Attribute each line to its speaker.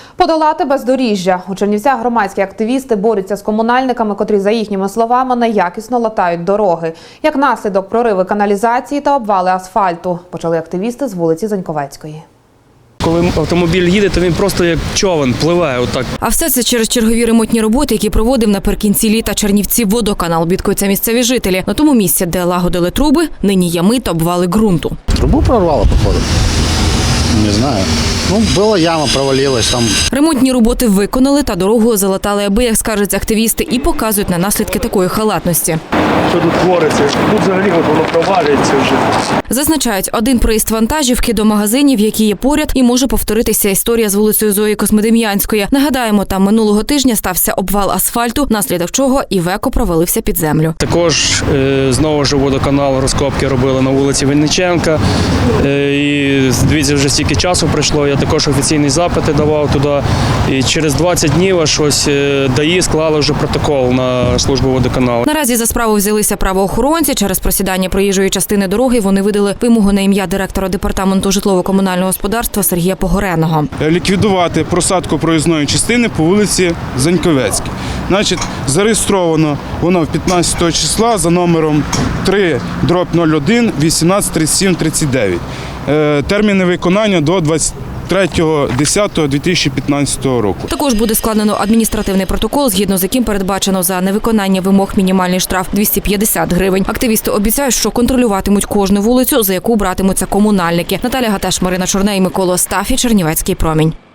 Speaker 1: Подолати бездоріжжя. У Чернівцях громадські активісти борються з комунальниками, котрі, за їхніми словами, неякісно латають дороги. Як наслідок, прориви каналізації та обвали асфальту. Почали активісти з вулиці Заньковецької.
Speaker 2: Коли автомобіль їде, то він просто як човен пливе отак.
Speaker 3: А все це через чергові ремонтні роботи, які проводив наприкінці літа Чернівцівводоканал. Бідкаються місцеві жителі. На тому місці, де лагодили труби, нині ями та обвали ґрунту.
Speaker 4: Трубу прорвало, походу. Не знаю. Була яма, провалилась там.
Speaker 3: Ремонтні роботи виконали та дорогу залатали, аби, як скажуть активісти, і показують на наслідки такої халатності.
Speaker 2: Що тут твориться? Тут взагалі воно провалюється вже.
Speaker 3: Зазначають, один проїзд вантажівки до магазинів, які є поряд, і може повторитися історія з вулицею Зої Космодем'янської. Нагадаємо, там минулого тижня стався обвал асфальту, наслідок чого Івеко провалився під землю.
Speaker 2: Також знову ж водоканал розкопки робили на вулиці Винниченка. І дивіться, вже стільки часу пройшло. Я також офіційні запити давав туди. І через 20 днів аж ось ДАІ склали вже протокол на службу водоканалу.
Speaker 3: Наразі за справу взялися правоохоронці. Через просідання проїжджої частини дороги вони видали вимогу на ім'я директора департаменту житлово-комунального господарства Сергія Погореного.
Speaker 5: Ліквідувати просадку проїзної частини по вулиці Заньковецькій. Зареєстровано воно 15 числа за номером 3/01-183739. Терміни виконання до 23.10.2015 року.
Speaker 3: Також буде складено адміністративний протокол, згідно з яким передбачено за невиконання вимог мінімальний штраф 250 гривень. Активісти обіцяють, що контролюватимуть кожну вулицю, за яку братимуться комунальники. Наталя Гатеш, Марина Чорне і Микола Стафі, Чернівецький промінь.